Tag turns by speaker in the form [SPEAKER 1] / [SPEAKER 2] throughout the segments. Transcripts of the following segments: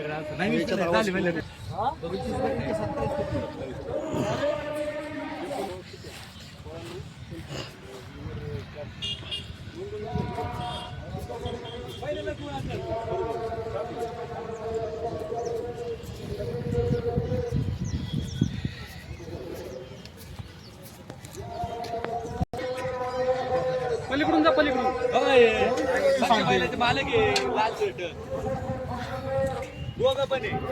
[SPEAKER 1] पलीकडून जा पलीकडून मालक आहे लाल शर्ट दोघं पण आहे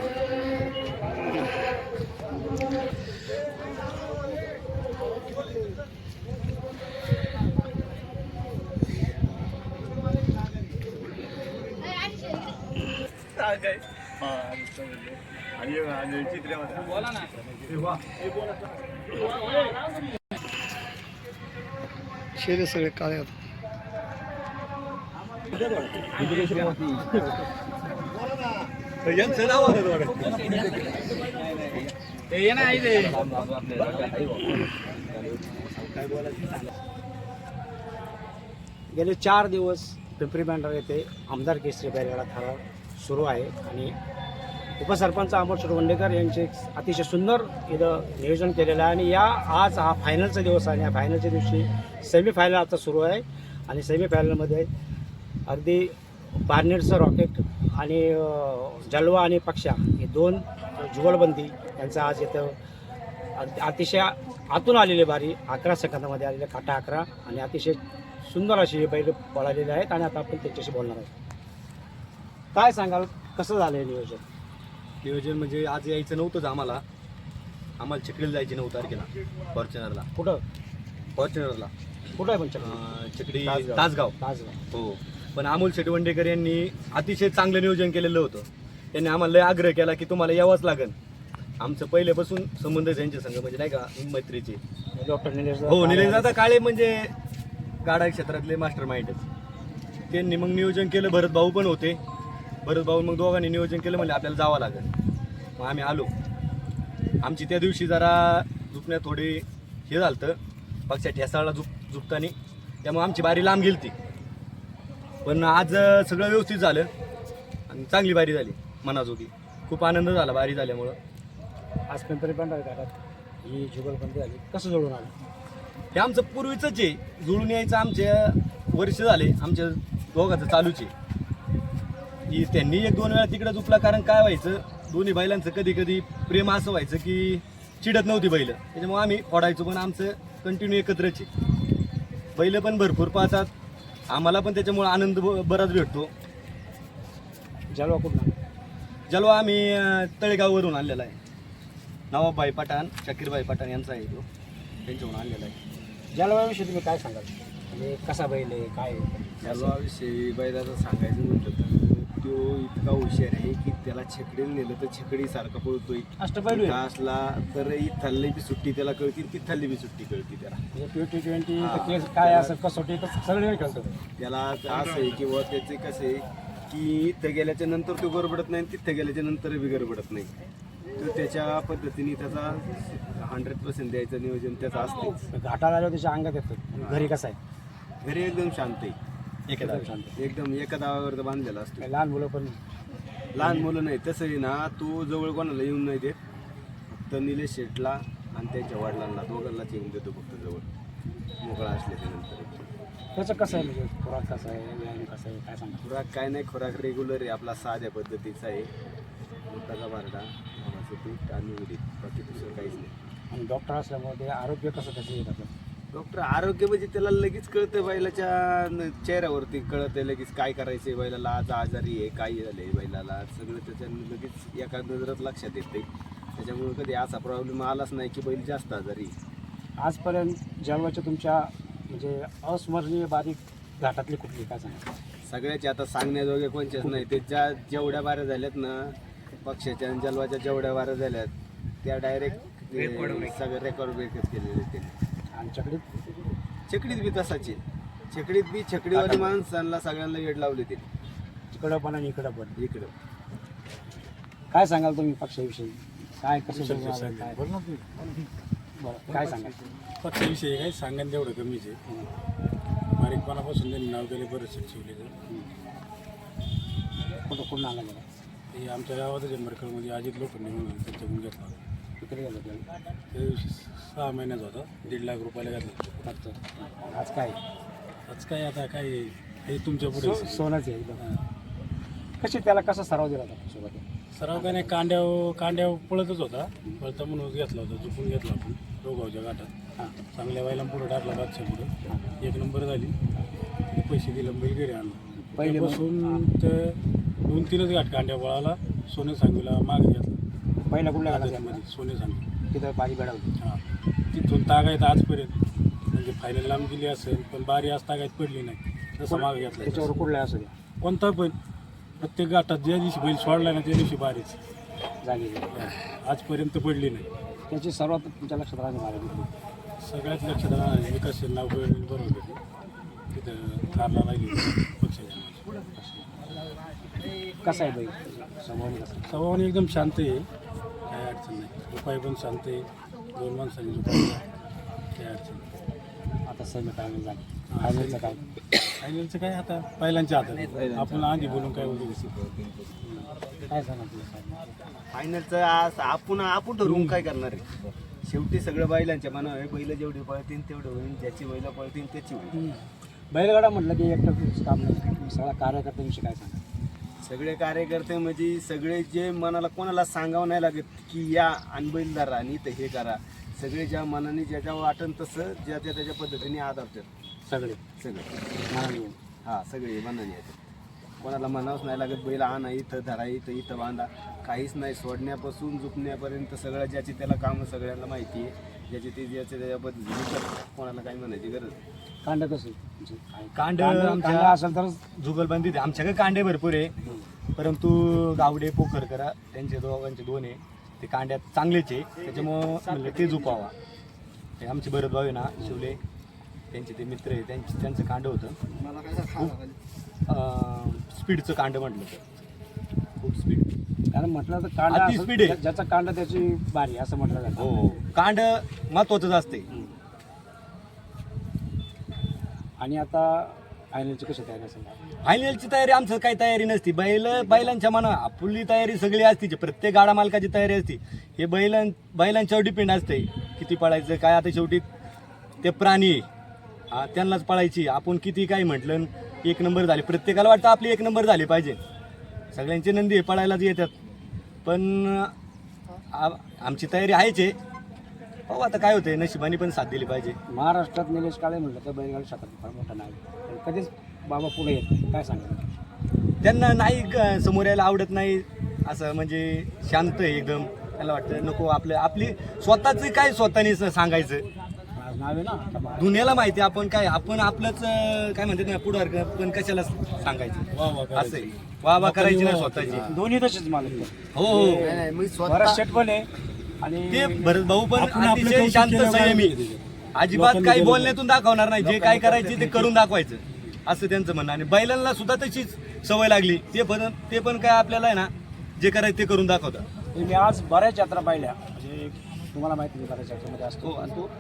[SPEAKER 1] आणि चित्र्यामध्ये बोला ना
[SPEAKER 2] शेरे सगळे काळे आहेत.
[SPEAKER 1] यांचं नाव ये ना
[SPEAKER 3] गेले 4 दिवस पिंपरी बंधारा येथे आमदार केसरी बैलगाडा थारा सुरू आहे आणि उपसरपंच अमोल शिरवंडेकर यांचे अतिशय सुंदर इथं नियोजन केलेलं आहे आणि आज हा फायनलचा दिवस आहे. या फायनलच्या दिवशी सेमीफायनल आता सुरू आहे आणि सेमीफायनलमध्ये अगदी बार्नेरचं रॉकेट आणि जलवा आणि पक्षा हे 2 जुगलबंदी यांचा आज इथं अतिशय आतून आलेली बारी 11 सेकंदामध्ये आलेले काटा 11 आणि अतिशय सुंदर अशी बैल पळालेले आहेत आणि आता आपण त्यांच्याशी बोलणार आहोत. काय सांगाल कसं झालं हे नियोजन
[SPEAKER 4] म्हणजे आज यायचं नव्हतंच आम्हाला चिखलीला जायचे 9 तारखेला फॉर्च्युनरला.
[SPEAKER 3] कुठं
[SPEAKER 4] फॉर्च्युनरला
[SPEAKER 3] कुठं आहे पण
[SPEAKER 4] चिखली तासगाव हो. पण अमोल शेटवंडेकर यांनी अतिशय चांगलं नियोजन केलेलं होतं. त्यांनी आम्हाला लय आग्रह केला की तुम्हाला यावंच लागेल. आमचं पहिल्यापासून संबंध त्यांच्या संघ म्हणजे नाही का मैत्रीचे.
[SPEAKER 3] डॉक्टर
[SPEAKER 4] निलेशदादा काळे म्हणजे गाडा क्षेत्रातले मास्टर माइंडच. त्यांनी मग नियोजन केलं. भरत भाऊ पण होते. भरत भाऊ मग दोघांनी नियोजन केलं म्हणजे आपल्याला जावं लागेल. मग आम्ही आलो. आमची त्या दिवशी जरा झुकण्यात थोडी हे झालं पक्षा ठेसाळला झुकतानी त्यामुळे आमची बारी लांब गेली ती. पण आज सगळं व्यवस्थित झालं आणि चांगली बारी झाली मनाजोगी. खूप आनंद झाला बारी झाल्यामुळं.
[SPEAKER 3] आज पिंपरी बंधारा ही जुगलबंदी झाली कसं जोडून आलं?
[SPEAKER 4] हे आमचं पूर्वीचंच आहे. जुळून यायचं आमच्या वर्ष झाले आमच्या दोघांचं चालूच आहे. की त्यांनी 1-2 वेळा तिकडं झुकला. कारण काय व्हायचं दोन्ही बैलांचं कधी कधी प्रेम असं व्हायचं की चिडत नव्हती बैल. त्याच्यामुळे आम्ही फोडायचो पण आमचं कंटिन्यू एकत्रच आहे. बैल पण भरपूर पाहतात. आम्हाला पण त्याच्यामुळे आनंद बराच भेटतो.
[SPEAKER 3] जलवा कुठं?
[SPEAKER 4] जलवा आम्ही तळेगाववरून आणलेला आहे. नवाबभाई पठाण शाकीरभाई पठाण यांचा आहे तो. त्यांच्यावरून आणलेला आहे.
[SPEAKER 3] जलवाविषयी तुम्ही काय सांगाल? म्हणजे कसा बैल आहे काय?
[SPEAKER 5] जलवाविषयी बैलाचं सांगायचं म्हटलं तर तो इतका हुशार आहे की त्याला छकडीला नेलं तर छकडीसारखा पळतोय.
[SPEAKER 3] अष्टपैलू
[SPEAKER 5] असला तर इथली बी सुट्टी त्याला कळती तिथली बी सुट्टी कळती त्याला.
[SPEAKER 3] T20 काय असं कसोटी सगळे खेळतो
[SPEAKER 5] त्याला असं आहे किंवा त्याचे कसं आहे की इथं गेल्याच्या नंतर तो गडबडत नाही तिथं गेल्याच्या नंतर बी गडबडत नाही. तर त्याच्या पद्धतीने त्याचा 100% द्यायचं नियोजन त्याचं असते.
[SPEAKER 3] घाटाला आल्यावर त्याच्या अंगात येतं. घरी कसं आहे?
[SPEAKER 5] घरी एकदम शांत आहे.
[SPEAKER 3] एकदम शांत
[SPEAKER 5] एकदम एका दावावर बांधलेला असतो.
[SPEAKER 3] लहान मुलं पण
[SPEAKER 5] लहान मुलं नाही तसंही ना तो जवळ कोणाला येऊन नाही देत. फक्त निलेश शेटला आणि त्यांच्या वडिलांना दोघांनाच येऊन देतो फक्त जवळ मोकळा असल्याच्या नंतर.
[SPEAKER 3] त्याचं कसं आहे म्हणजे खुराक कसं आहे व्यायाम कसं आहे काय सांगा?
[SPEAKER 5] खुराक काय नाही खुराक रेग्युलर आहे आपला साध्या पद्धतीचा आहे. मोठाचा बारडा गव्हाचं पीठ आणि उडीद बाकी दुसरं काहीच नाही.
[SPEAKER 3] आणि डॉक्टर असल्यामुळे ते आरोग्य कसं त्याचं येत आपलं?
[SPEAKER 5] डॉक्टर आरोग्य म्हणजे त्याला लगेच कळतं बैलाच्या चेहऱ्यावरती कळतं लगेच काय करायचं आहे बैलाला आज आजारी आहे काय झालं आहे बैलाला सगळं त्याच्यानं लगेच एका नजरात लक्षात येते. त्याच्यामुळे कधी असा प्रॉब्लेम आलाच नाही की बैल जास्त आजारी.
[SPEAKER 3] आजपर्यंत जलवाच्या तुमच्या म्हणजे अस्मरणीय बारीक घाटातली कुठली काय सांगा?
[SPEAKER 5] सगळ्याचे आता सांगण्याजोगे कोणच्याच नाही. ते जेवढ्या बाऱ्या झाल्यात ना पक्षाच्या आणि जलवाच्या जेवढ्या बाऱ्या झाल्यात त्या डायरेक्ट सगळे रेकॉर्ड ब्रेकच केलेले त्यांनी.
[SPEAKER 3] आणि
[SPEAKER 5] चकडीत बी तसाची चकडीत बी छकडीवाली माणसांना सगळ्यांना वेळ लावली ते
[SPEAKER 3] तिकडं पण आणि इकडं पण.
[SPEAKER 5] इकडं
[SPEAKER 3] काय सांगाल तुम्ही पक्षाविषयी? काय कसं काय बरं काय सांगाल?
[SPEAKER 6] पक्षाविषयी काही सांगायला तेवढं कमीच आहे. बारीकपणापासून त्यांनी नाव दिले बरेच शिकवले.
[SPEAKER 3] कुठं कुठून आला मला
[SPEAKER 6] हे आमच्या गावातच आहे मरकळमध्ये अजित लोखंडे म्हणून त्यांच्याकडून घेतला होता.
[SPEAKER 3] किती गेलं त्याला
[SPEAKER 6] त्या दिवशी 6 महिन्याचा होता, 1.5 लाख रुपयाला घेतला.
[SPEAKER 3] अच्छा. आज काय
[SPEAKER 6] आज काय आता काय हे तुमच्या पुढे
[SPEAKER 3] सोनंच आहे एकदम. कशी त्याला कसा सराव दिला होता सोबत?
[SPEAKER 6] सराव काय नाही, कांड्याव पळतच होता, पळता म्हणून घेतला होता, झुकून घेतला आपण रोगावच्या घाटात. चांगल्या बायला पुढं टाकला बादशा पुढं, 1 नंबर झाली. ते पैसे दिले, बैल घरी आणला. पहिल्यापासून ते 2-3च घाट कांड्या पळाला. सोने सांगीला मागे घेतला
[SPEAKER 3] पहिला कुठल्या
[SPEAKER 6] मध्ये, सोने सांगी
[SPEAKER 3] तिथं बाजी बेडावली.
[SPEAKER 6] हां, तिथून तागायत आजपर्यंत म्हणजे फायनल लांब गेली असेल, पण बारी आज तागायत पडली नाही. तसं मागे घेतला
[SPEAKER 3] त्याच्यावर कुठल्या असू द्या
[SPEAKER 6] कोणता पण, प्रत्येक घाटात ज्या दिवशी बैल सोडला ना त्या दिवशी बारीच
[SPEAKER 3] जागी
[SPEAKER 6] आजपर्यंत पडली नाही.
[SPEAKER 3] त्याची सर्वात तुमच्या लक्षात राहणे मला
[SPEAKER 6] सगळ्यात लक्षात राहणार विकास नाव बरोबर होते तिथं कारला राहिली पक्षाच्या.
[SPEAKER 3] कसा आहे बाई समोर कसं?
[SPEAKER 6] स्वभावाने एकदम शांत आहे, काय अडचण नाही. उपाय पण शांत आहे, 2 माणसांनी झोपायला काय अडचण नाही.
[SPEAKER 3] आता सेमी फायनल झाली, फायनलचं काय?
[SPEAKER 6] फायनलचं काय आता पहिल्यांच्या हातात, आपण आधी बोलून काय बोलू.
[SPEAKER 3] काय सांगा तुला?
[SPEAKER 5] फायनलचं आज आपण ठरवून काय करणार आहे? शेवटी सगळं बैलांच्या मनावर आहे. बैल जेवढे पळतील तेवढे होईल, ज्याची बैल पळतील त्याची होईल.
[SPEAKER 3] बैलगाडा म्हटलं की एकटं काम नाही, तुम्ही सगळ्या कार्यकर्त्यांविषयी काय सांगा?
[SPEAKER 5] सगळे कार्यकर्ते म्हणजे सगळे जे मनाला कोणाला सांगावं नाही लागत की या आणि बैल धरा आणि इथं हे करा. सगळे ज्या मनाने ज्याच्या वाटण तसं ज्याच्या त्याच्या पद्धतीने आदरतात
[SPEAKER 3] सगळे
[SPEAKER 5] सगळे. हां, सगळे मनाने येतात. कोणाला म्हणावंच नाही लागत बैल आणा इथं धरा इथं बांधा, काहीच नाही. सोडण्यापासून झुकण्यापर्यंत सगळं ज्याची त्याला कामं सगळ्यांना माहिती आहे. ज्याची ते ज्याच्या त्याच्या पद्धतीने करतात. कोणाला काही म्हणायची गरज नाही.
[SPEAKER 3] कांड कसं?
[SPEAKER 4] कांड
[SPEAKER 3] कांड असेल तर
[SPEAKER 4] जुगलबंदी आमच्याकडे कांडे भरपूर आहे, परंतु गावडे पोखरकरा त्यांचे दोघांचे 2 आहे. ते कांड्यात चांगलेच आहे, त्याच्यामुळं म्हणलं ते झुपावा. ते आमचे भरत भाऊ आहे ना शिवले, त्यांचे ते मित्र आहे, त्यांचं कांड होतं. स्पीडचं कांड म्हटलं तर खूप स्पीड.
[SPEAKER 3] कारण म्हटलं तर कांड
[SPEAKER 4] अति
[SPEAKER 3] असेल,
[SPEAKER 4] speed आहे.
[SPEAKER 3] ज्याचा कांड त्याची बारी असं म्हटलं जातं.
[SPEAKER 4] हो, कांड महत्वाचंच असते.
[SPEAKER 3] आणि आता फायनलची कशी तयारी असेल?
[SPEAKER 4] फायनलची तयारी आमचं काही तयारी नसती. बैलांच्या मना आपली तयारी सगळी असते, प्रत्येक गाडा मालकाची तयारी असते. हे बैलांच्यावर डिपेंड असते किती पळायचं काय. आता शेवटी ते प्राणी त्यांनाच पळायची. आपण किती काही म्हटलं 1 नंबर झाले, प्रत्येकाला वाटतं आपली 1 नंबर झाली पाहिजे. सगळ्यांचे नंदी पळायलाच येतात, पण आमची तयारी आहेच आहे. हो, आता काय होतंय, नशिबाने पण साथ दिली पाहिजे.
[SPEAKER 3] महाराष्ट्रात निलेश काळे म्हटलं तर बैलगाडी क्षेत्रात फार मोठा नाही, पण कधीच बाबा पुढे येत नाही. काय सांगा?
[SPEAKER 4] त्यांना नाही समोर यायला आवडत नाही, असं म्हणजे शांत आहे एकदम. त्याला वाटतं नको आपली स्वतःच काय स्वतःने सांगायचं.
[SPEAKER 3] आज नाव आहे ना
[SPEAKER 4] दुनियाला माहिती आपण काय, आपण आपलंच काय म्हणतात ना पुढं, पण कशाला सांगायचं. असं आहे, वाह करायची नाही स्वतःची.
[SPEAKER 3] दोन्ही तसेच मालक.
[SPEAKER 4] हो,
[SPEAKER 3] बराच शेट पण आहे आणि
[SPEAKER 4] ते भरत भाऊ पण अतिशय शांत संयमी, अजिबात काही बोलण्यातून दाखवणार नाही. जे काय करायचे ते करून दाखवायचं असं त्यांचं म्हणणं. आणि बैलांना सुद्धा तशीच सवय लागली. ते पण काय आपल्याला आहे ना जे करायचं ते करून दाखवतात.
[SPEAKER 3] मी आज बऱ्याच यात्रा पाहिल्या, म्हणजे तुम्हाला माहिती आहे बऱ्याच यात्रेमध्ये असतो. आणि तो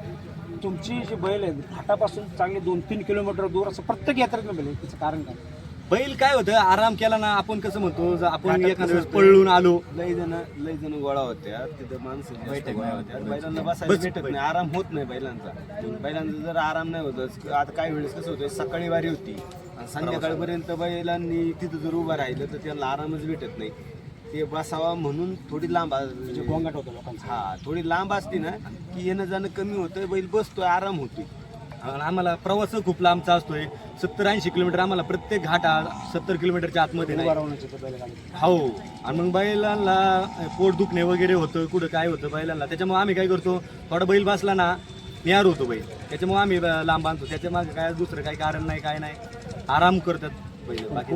[SPEAKER 3] तुमची जी बैल आहे घाटापासून चांगली 2-3 किलोमीटर दूर असं प्रत्येक यात्रेत बैल आहे. त्याचं कारण काय?
[SPEAKER 4] बैल काय होतं, आराम केला ना. आपण कसं म्हणतो, आपण एखाद्या वेळेस पळून आलो,
[SPEAKER 5] लय जण गोळा होत्या तिथं, माणसं बैठक गोळा होत्या. बैलांना बसायला भेटत नाही, आराम होत नाही बैलांचा. बैलांचा जर आराम नाही होत, आता काही वेळेस कसं होतं, सकाळी वारी होती आणि संध्याकाळपर्यंत बैलांनी तिथं जर उभं राहिलं तर त्यांना आरामच भेटत नाही. ते बसावा म्हणून थोडी लांब
[SPEAKER 3] गोंगाट होतो लोकांचा.
[SPEAKER 5] हा, थोडी लांब असते ना की येणं जाणं कमी होतं, बैल बसतोय, आराम होतोय.
[SPEAKER 4] आणि आम्हाला प्रवास खूप लांबचा असतोय. 70-80 किलोमीटर आम्हाला प्रत्येक घाट 70 किलोमीटरच्या आतमध्ये नाही. हो, आणि मग बैलांना पोट दुखणे वगैरे होतं, कुठं काय होतं बैलांना. त्याच्यामुळे आम्ही काय करतो, थोडा बैल बसला ना निहार होतो बैल, त्याच्यामुळे आम्ही लांब बांधतो. त्याच्या मागे काय दुसरं काही कारण नाही, काय नाही, आराम करतात बैल. बाकी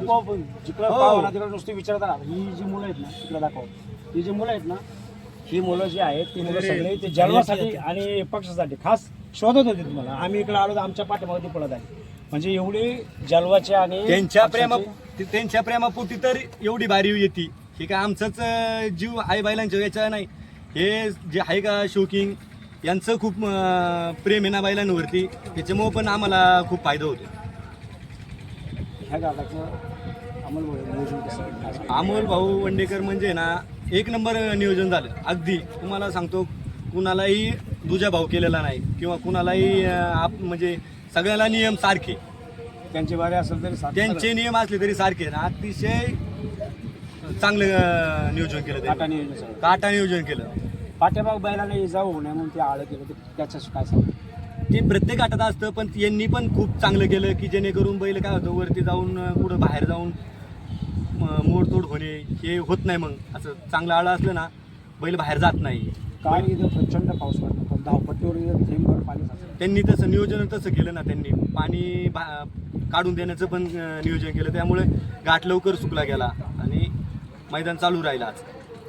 [SPEAKER 3] जिकडे नुसते विचारतात ही जी मुलं आहेत ना तिकडे दाखव. ही जी मुलं आहेत ना, ही मुलं जी आहेत ती मुलं सगळे ते जन्मासाठी आणि पक्षासाठी खास शोधत होते तुम्हाला. आम्ही इकडे आलो तर आमच्या पाठीमागे पळत आहे. म्हणजे एवढी जलवाचे आणि
[SPEAKER 4] त्यांच्या प्रेमापोटी तर एवढी बारी येते. हे काय आमचंच जीव आहे बैलांच्या याच्या नाही. हे जे आहे का शौकिंग यांचं खूप प्रेम आहे ना बैलांवरती, त्याच्यामुळं पण आम्हाला खूप फायदा होतो.
[SPEAKER 3] ह्या गावाचं नियोजन कसं?
[SPEAKER 4] अमोल भाऊ वंडेकर म्हणजे ना एक नंबर नियोजन झालं. अगदी तुम्हाला सांगतो, कुणालाही दुजा भाव केलेला नाही किंवा कुणालाही म्हणजे सगळ्याला नियम सारखे,
[SPEAKER 3] त्यांचे बारे असेल तरी
[SPEAKER 4] त्यांचे नियम असले तरी सारखे ना. अतिशय चांगलं नियोजन केलं
[SPEAKER 3] काटा
[SPEAKER 4] त्यांनी.
[SPEAKER 3] नियोजन सगळं.
[SPEAKER 4] काटा नियोजन केलं.
[SPEAKER 3] पाठ्यामाग बैलाला इजा होऊ नये म्हणून ते आळं केलं, तर त्याचं काय सांग?
[SPEAKER 4] ते प्रत्येक आटात असतं, पण यांनी पण खूप चांगलं केलं की जेणेकरून बैल काय होतं, वरती जाऊन कुठं बाहेर जाऊन मोडतोड होणे हे होत नाही. मग असं चांगलं आळं असलं ना, बैल बाहेर जात नाही.
[SPEAKER 3] काल इथं प्रचंड पाऊस पडला, पण धावपट्टीवर इथं थेंबभर पाणी साचलं.
[SPEAKER 4] त्यांनी तसं नियोजन तसं केलं ना, त्यांनी पाणी काढून देण्याचं पण नियोजन केलं. त्यामुळे घाट लवकर सुकला गेला आणि मैदान चालू राहिलं. आज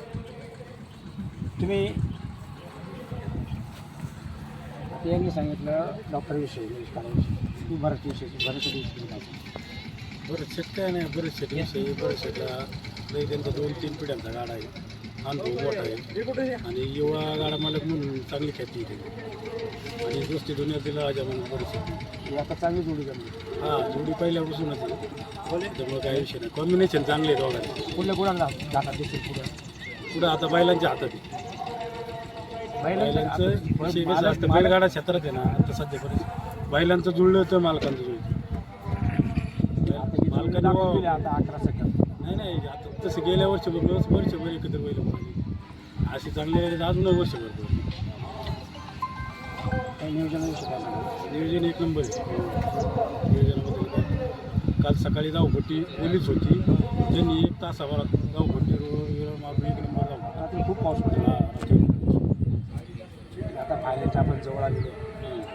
[SPEAKER 3] तुम्ही यांनी सांगितलं डॉक्टरविषयी, तू बऱ्याच विषयी काय?
[SPEAKER 6] बरेच शेत काय नाही, बरेच शेत विषयी बरेच शेतला नाही, त्यांचा 2-3 पिढ्यांचा गाडा आहे, अनुभव मोठा आहे आणि युवा गाडा मालक म्हणून चांगली ख्याती आहे आणि दोस्ती दुनियातील राजा म्हणून बरेच
[SPEAKER 3] ही आता चांगली जोडी जमली.
[SPEAKER 6] हां, जोडी पहिल्यापासूनच आहे, त्यामुळे काही विषय नाही. कॉम्बिनेशन चांगले आहे दोघांचे.
[SPEAKER 3] कुठल्या कुणाला जातात दिसेल पुढे
[SPEAKER 6] पुढं आता बैलांच्या हातात आहे. बैलांचं विषय कसं असतं, बैलगाडा क्षेत्रात आहे ना आता सध्या परिस्थिती बैलांचं जुळलं तर मालकांचं जुळलं. मालकांनी
[SPEAKER 3] आता 11 सेकंद
[SPEAKER 6] नाही आता तसं गेल्या वर्षभर एकत्र बैल पळाली. अशी चांगली अजून वर्षभर
[SPEAKER 3] नियोजनाविषयी काय सांगा?
[SPEAKER 6] नियोजन एक नंबर आहे. नियोजनामध्ये काल सकाळी धावपट्टी ओलीच होती, त्यांनी 1 तासाभरात धावपट्टी रोड मारून 1 नंबर धावपट्टी.
[SPEAKER 3] रात्री खूप पाऊस पडला. आता फायनलच्या आपण जवळ आलेलो आहे.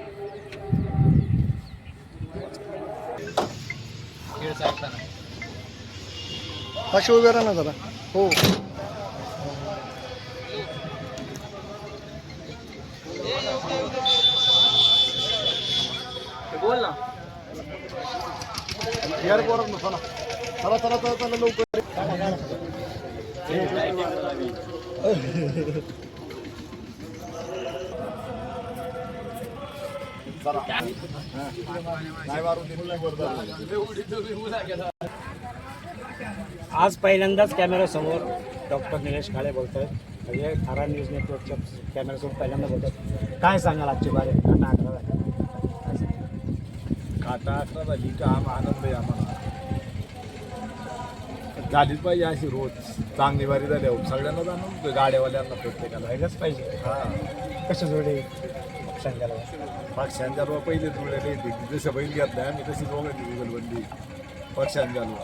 [SPEAKER 2] अशी उभे राहा ना जरा. हो
[SPEAKER 1] बोल ना.
[SPEAKER 2] चला चला चला चला लवकर.
[SPEAKER 3] आज पहिल्यांदाच कॅमेऱ्यासमोर डॉक्टर निलेश काळे बोलत आहेत, म्हणजे थारा न्यूज नेटवर्कच्या कॅमेऱ्यासमोर पहिल्यांदा बोलत आहेत. काय सांगाल आजची बारे? काटा 11 झाली.
[SPEAKER 5] काटा 11 झाली का आनंद आहे आम्हाला. झालीच पाहिजे अशी रोज चांगली वारी झाली. सगळ्यांना जाणून गाड्यावाल्यांना प्रत्येकाला
[SPEAKER 3] व्हायलाच पाहिजे.
[SPEAKER 5] हां,
[SPEAKER 3] कसं जोडे सांगायला
[SPEAKER 5] पक्षांच्या रो पहिले जुळलेले होते. जसं बैल घेतलाय आम्ही तशी दोघांची जुगलबंदी पक्षांच्या रो.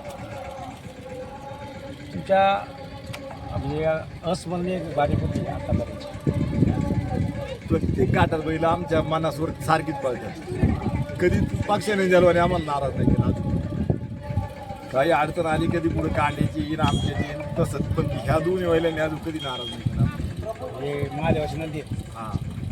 [SPEAKER 3] तुमच्या म्हणजे अस्मरणीय बारीक होती आतापर्यंत.
[SPEAKER 5] प्रत्येक घाटात बैल आमच्या मनासवर सारखीच पळतात. कधी पक्षाने जलवाने आम्हाला नाराज नाही केला. काही अडचण आली कधी पुढे कांद्याची येईन आमच्याची तसंच, पण ह्या दोन्ही बैलांनी अजून कधी नाराज नाही केला.
[SPEAKER 3] म्हणजे महादेवाची नदी.
[SPEAKER 5] हां,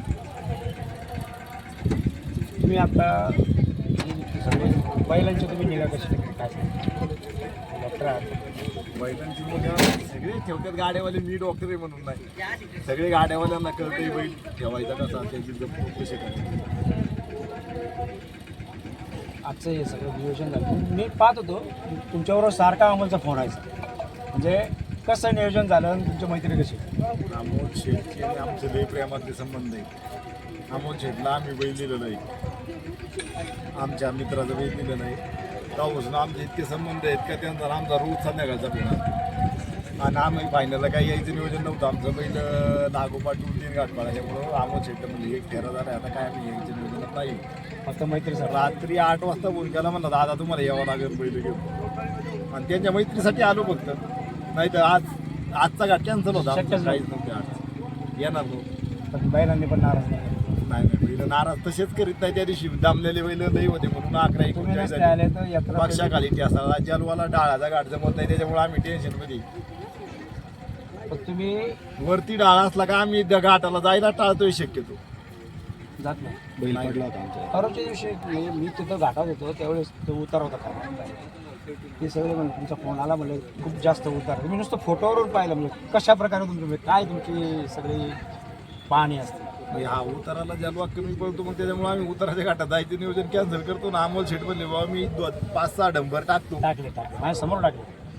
[SPEAKER 3] तुम्ही आता सगळे बैलांची तुम्ही निगा कशी काय डॉक्टर आहात?
[SPEAKER 5] बैलांची मुलं सगळे ठेवतात गाड्यावाले. मी डॉक्टर आहे म्हणून नाही, सगळे गाड्यावाल्यांना कळतंय बैल ठेवायचा कसा, त्याची जपणूक कशी करायची.
[SPEAKER 3] आजचं हे सगळं नियोजन झालं. मी पाहत होतो तुमच्याबरोबर सारखा अमोलचा फोन आहे, म्हणजे कसं नियोजन झालं आणि तुमची मैत्री कशी?
[SPEAKER 5] अमोल शेठची आणि आमचे लई प्रेमातले संबंध आहे. अमोल शेठला आम्ही बैल दिलं नाही, आमच्या मित्राचं बैल दिलं नाही. तेव्हापासून आमचे इतके संबंध आहेत का त्यानंतर आमचा रोज संध्याकाळचा फोन. आणि आम्ही फायनलला काही यायचं नियोजन नव्हतं. आमचं बैल नागोपाठ 2-3 घाट पडायच्यामुळं अमोल शेठ म्हणजे एक फेरा झाला. आता काय आम्ही यायचं नियोजनात नाही.
[SPEAKER 3] फक्त मैत्री सर.
[SPEAKER 5] रात्री 8 वाजता फोन केला, म्हणला दादा तुम्हाला यावं लागेल बैल घेऊन. आणि त्यांच्या मैत्रीसाठी आलो फक्त. नाही तर आजचा घाट कॅन्सल होता.
[SPEAKER 3] शक्यच
[SPEAKER 5] काहीच नव्हते आज येणार नव्हतं.
[SPEAKER 3] पण बैलांनी पण नाराज नाही.
[SPEAKER 5] नाही बैल नाराज तसेच करीत नाही. त्या दिवशी दामलेले बैल नाही होते म्हणून 11-19
[SPEAKER 3] तुम्ही नसते आले तर यात्रा
[SPEAKER 5] पक्षाखाली असा जलवाला डाळाचा घाट जमत नाही, त्याच्यामुळे आम्ही टेन्शनमध्ये.
[SPEAKER 3] पण तुम्ही
[SPEAKER 5] वरती डाळा असला का आम्ही त्या घाटाला जायला टाळतोय शक्यतो.
[SPEAKER 3] जात नाही.
[SPEAKER 5] बैल पडला होता आमच्या.
[SPEAKER 3] परवाच्या दिवशी मी तिथं घाटात होतो त्यावेळेस तो उतार होता का ते सगळे म्हणजे तुमचा फोन आला म्हणजे खूप जास्त उतार. तुम्ही नुसतं फोटोवरून पाहिलं म्हणजे कशा प्रकारे तुमचं काय तुमची सगळी पाहणी असते.
[SPEAKER 5] हा उताराला जलवा कमी पडतो, मग त्याच्यामुळे आम्ही उताराच्या घाटात जायचं नियोजन कॅन्सल करतो ना. अमोल शेठ म्हणले बाबा मी 5-6 डंबर टाकतो.
[SPEAKER 3] टाकले माझ्या समोर टाकले.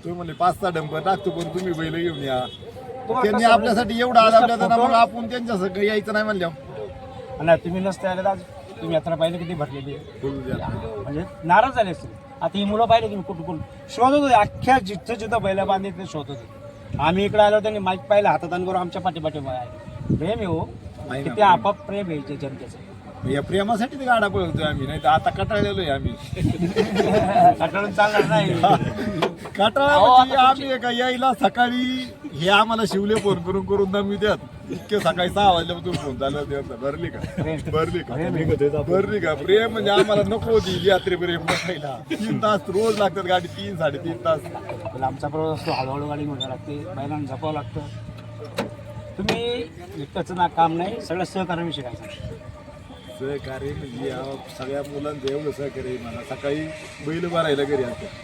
[SPEAKER 2] तुम्ही म्हणले 5-6 डंपर टाकतो पण तुम्ही बैल घेऊन या.
[SPEAKER 3] तुम्हाला
[SPEAKER 2] त्यांनी
[SPEAKER 3] कसं
[SPEAKER 2] आपल्यासाठी एवढं आदाबल्या तर मग
[SPEAKER 3] फोटो-
[SPEAKER 2] आपण त्यांच्या सगळं यायचं नाही म्हणल्यावर
[SPEAKER 3] नाही तुम्ही नसते आले तर आज तुम्ही यात्रा पाहिली किती भरलेली आहे.
[SPEAKER 2] बोलू द्या.
[SPEAKER 3] म्हणजे नाराज झाले असतील. आता ही मुलं पाहिले की कुठं शोधत होते अख्ख्या जिथं बैला बांधले ते शोधत होते. आम्ही इकडे आलो त्यांनी माईक पाहिलं हातात आणि बरोबर आमच्या पाठीपाठी आहे. प्रेम आहे हो
[SPEAKER 2] आहे ना,
[SPEAKER 3] किती आपाप प्रेम आहे इथे जनतेचं.
[SPEAKER 2] या प्रेमासाठी ते गाडा पळवतोय आम्ही, नाही तर आता कटाळलेलो आहे आम्ही.
[SPEAKER 3] कटाळून चालणार नाही.
[SPEAKER 2] कटाळा
[SPEAKER 3] अहो,
[SPEAKER 2] म्हणजे
[SPEAKER 3] आता
[SPEAKER 2] आम्ही का यायला सकाळी हे आम्हाला शिवले फोन करून दमी द्यात. इतके सकाळी 6 वाजल्यापासून फोन चालू होते. भरली का भरली का प्रेम म्हणजे आम्हाला नको होती यात्रे प्रेम बसायला. 3 तास रोज लागतात गाडी, 3-3.5 तास.
[SPEAKER 3] आपला आमचा प्रवास असतो हळूहळू गाडी घेऊन लागते बैलांना जपावं लागतं. तुम्ही एकटंच ना काम नाही सगळं सहकार्याविषयी काय सांगा.
[SPEAKER 2] सहकार्य म्हणजे या सगळ्या मुलांचं एवढं सहकार्य आहे मला. सकाळी बैल भरायला घरी असतात,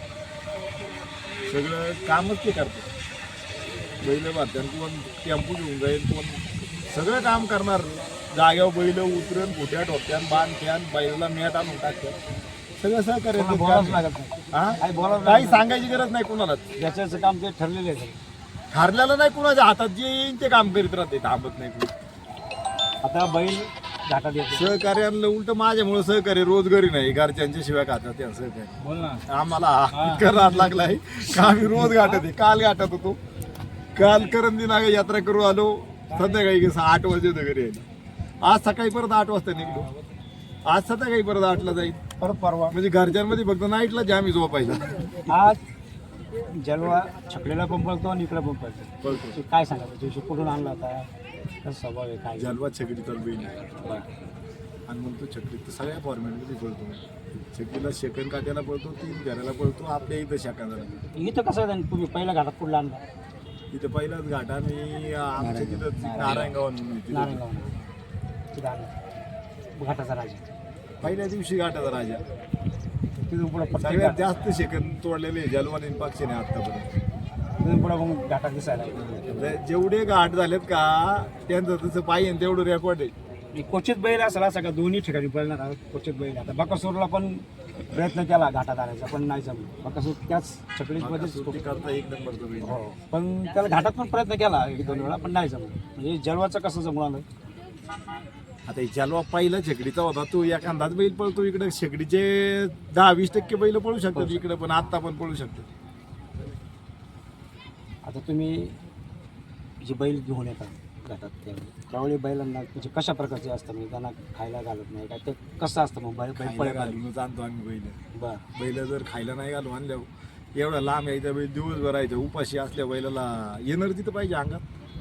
[SPEAKER 2] सगळं कामच ते करतात. बैल भरत्यान कोण टेम्पो घेऊन जाईल, कोण सगळं काम करणार. जाग्यावर बैल उतरण खोट्या ठोक्यान बांधत्यान बैलाला मॅट आणून टाकतात. सगळं सहकार्य
[SPEAKER 3] कोणाला बोलावंच लागत नाही. काही बोलावं
[SPEAKER 2] काही सांगायची गरज नाही कुणालाच.
[SPEAKER 3] ज्याचं काम ते ठरलेलं आहे सगळं.
[SPEAKER 2] हारल्याला नाही कुणाच्या हातात जे येईल ते काम करीत राहते, थांबत नाही कुणी.
[SPEAKER 3] आता बैल घाटात येतो.
[SPEAKER 2] सहकार्याला उलट माझ्यामुळे सहकार्य रोज घरी नाही, घरच्यांच्या शिवाय खातात त्या सहकार्य.
[SPEAKER 3] बोल ना.
[SPEAKER 2] आम्हाला इतका राग लागलाय का आम्ही रोज गाठत आहे. काल गाठत होतो, काल करंदी नागा यात्रा करू आलो, संध्याकाळी 8 वाजता होतं घरी यायला. आज सकाळी परत 8 वाजता निघलो, आज संध्याकाळी परत 8ला जाईल.
[SPEAKER 3] परत परवा
[SPEAKER 2] म्हणजे घरच्यांमध्ये फक्त नाईटला जे आम्ही झोपायला
[SPEAKER 3] आज जलवा छकलेला पण पळतो आणि इकडे पण पळतो.
[SPEAKER 2] पळतो.
[SPEAKER 3] काय सांगायचं दिवशी कुठून आणला होता, कसं स्वभाव आहे काय.
[SPEAKER 2] जलवा छकडी तर बैल आणि म्हणतो छकडी तर सगळ्या फॉर्मॅटमध्ये पळतो. छकडीला शेकन काट्याला पळतो, 3 घराला पळतो. आपल्या इथं शाखा झाला
[SPEAKER 3] इथं कसं आहे तुम्ही पहिल्या घाटात कुठला आणला.
[SPEAKER 2] इथं पहिलाच घाट आणि आमच्या तिथं नारायणगाव
[SPEAKER 3] नारायणगाव तिथं आणला घाटाचा राजा.
[SPEAKER 2] पहिल्या दिवशी घाटाचा राजा.
[SPEAKER 3] तिथून पुढे
[SPEAKER 2] सगळ्यात जास्त शेकन तोडलेले जलवान पक्षीने आतापर्यंत.
[SPEAKER 3] तिथून पुढे मग घाटात दिसायला लागले.
[SPEAKER 2] जेवढे घाट झालेत का त्यांचं तसं पाहिजे तेवढं रेकॉर्ड आहे.
[SPEAKER 3] क्वचित बैल असला सगळ्या दोन्ही ठिकाणी पळणार आहोत. क्वचित बैल आता बकासूरला पण प्रयत्न केला घाटात आणायचा पण नाही जमलं. बकासूर त्याच छकडीमध्येच
[SPEAKER 2] सुट्टी करता 1 नंबरचं बैल.
[SPEAKER 3] हो पण त्याला घाटात पण प्रयत्न केला 1-2 वेळा पण नाही जमलं. म्हणजे जलवाचं कसं जमलं.
[SPEAKER 2] आता हे जलवा पहिला शेकडीचा होता, तो एखादाच बैल पळतो. इकडे शेकडीचे 10-20% बैल पळू शकतात इकडे, पण आता पण पळू शकतात.
[SPEAKER 3] आता तुम्ही जे बैल घेऊन येतात घाटात त्यावेळी बैलांना म्हणजे कशा प्रकारचे असतं म्हणजे त्यांना खायला घालत नाही काय ते कसं असतं मग बैल
[SPEAKER 2] खायला
[SPEAKER 3] पळ
[SPEAKER 2] घालूनच आणतो आम्ही बैल.
[SPEAKER 3] बरं
[SPEAKER 2] बैल जर खायला नाही घालून आणल्यावर एवढा लांब यायचा बैल दिवसभर यायचा उपाशी असल्या बैलाला एनर्जी तर पाहिजे अंगात.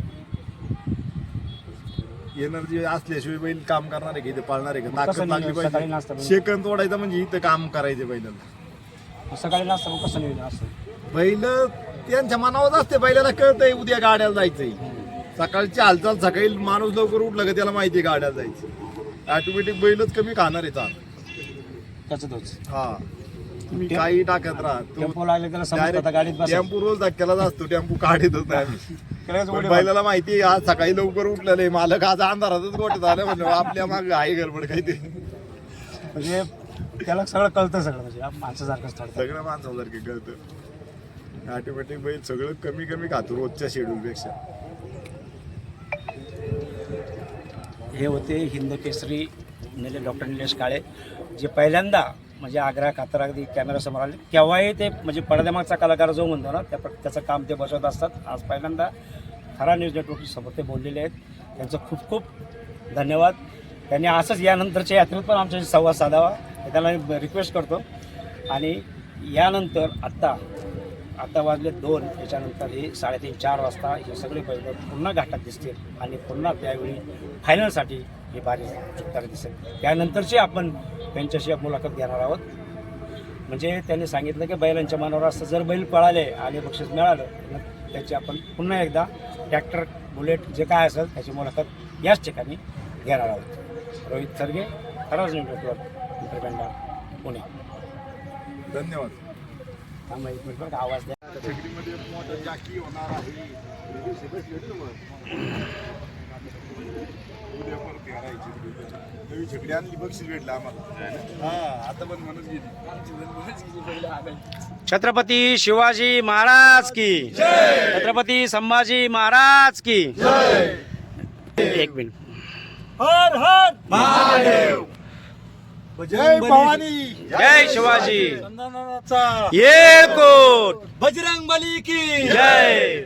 [SPEAKER 2] एनर्जी असल्याशिवाय बैल काम करणार आहे का इथे पाळणार आहे का. ताकद लागली
[SPEAKER 3] सकाळी नाश्ता
[SPEAKER 2] पाहिजे. शेकन तोडायचं म्हणजे इथं काम करायचं बैलाला.
[SPEAKER 3] सकाळी नसतं मग कसं नियोजन असतं.
[SPEAKER 2] बैल त्यांच्या मनावर असते. बैलाला कळतंय उद्या गाड्याला जायचंय. सकाळची हालचाल सकाळी माणूस लवकर उठला का त्याला माहिती आहे गाड्याला जायचं. ऑटोमॅटिक बैलच कमी खाणार आहे चाल.
[SPEAKER 3] त्याचं तोच
[SPEAKER 2] हा तुम्ही काही टाकत राहा.
[SPEAKER 3] टेम्पो लागले त्याला समजतं आता गाडीत बस
[SPEAKER 2] टेम्पो रोज धक्क्यालाच असतो. टेम्पो काढतच नाही आम्ही. पण बैलाला माहिती आहे आज सकाळी लवकर उठलेलं आहे मालक, आज अंधारातच गोठत आलं म्हणजे आपल्या मागे आहे गडबड काहीतरी.
[SPEAKER 3] म्हणजे त्याला सगळं कळतं सगळं म्हणजे माणसासारखंच ठरतं.
[SPEAKER 2] सगळं माणसासारखे कळतं. ऑटोमॅटिक बैल सगळं कमी कमी खातो रोजच्या शेड्यूलपेक्षा.
[SPEAKER 3] हे होते हिंद केसरी डॉक्टर निलेश काळे जे पहिल्यांदा म्हणजे आग्रा कातर अगदी कॅमेरासमोर आले केव्हाही ते म्हणजे पडद्यामागचा कलाकार जो म्हणतो ना त्याचं काम ते बसवत असतात. आज पहिल्यांदा खरा न्यूज नेटवर्क समोर ते बोललेले आहेत. त्यांचं खूप खूप धन्यवाद. त्यांनी असंच यानंतरच्या यात्रेत पण आमच्याशी संवाद साधावा हे त्याला रिक्वेस्ट करतो. आणि यानंतर आत्ता वाजले 2 त्याच्यानंतर हे 3:30-4 वाजता हे सगळे बैल पुन्हा घाटात दिसतील आणि पुन्हा त्यावेळी फायनलसाठी हे बारी चुकताना दिसेल. त्यानंतरची आपण त्यांच्याशी मुलाखत घेणार आहोत. म्हणजे त्यांनी सांगितलं की बैलांच्या मनावर असं जर बैल पळाले आणि बक्षीस मिळालं तर त्याची आपण पुन्हा एकदा ट्रॅक्टर बुलेट जे काय असेल त्याची मुलाखत याच ठिकाणी घेणार आहोत. रोहित सरगे, खराज नेटवर्क, इंटरबँडा, पुणे.
[SPEAKER 2] धन्यवाद.
[SPEAKER 3] थांबा 1 मिनिट बरं आवाज द्या.
[SPEAKER 2] छकडीमध्ये मोठं जाकी होणार आहे. उद्या परत घालायची नवी छकडी आणली बक्षीस भेटलं आम्हाला हा आता पण म्हणत गेली
[SPEAKER 3] छत्रपती शिवाजी महाराज की छत्रपती संभाजी महाराज की एक मिनिट.
[SPEAKER 4] हर हर महादेव.
[SPEAKER 2] जय भवानी
[SPEAKER 3] जय शिवाजी
[SPEAKER 4] चंदनाचा
[SPEAKER 3] येळकोट
[SPEAKER 4] बजरंग बली की
[SPEAKER 3] जय.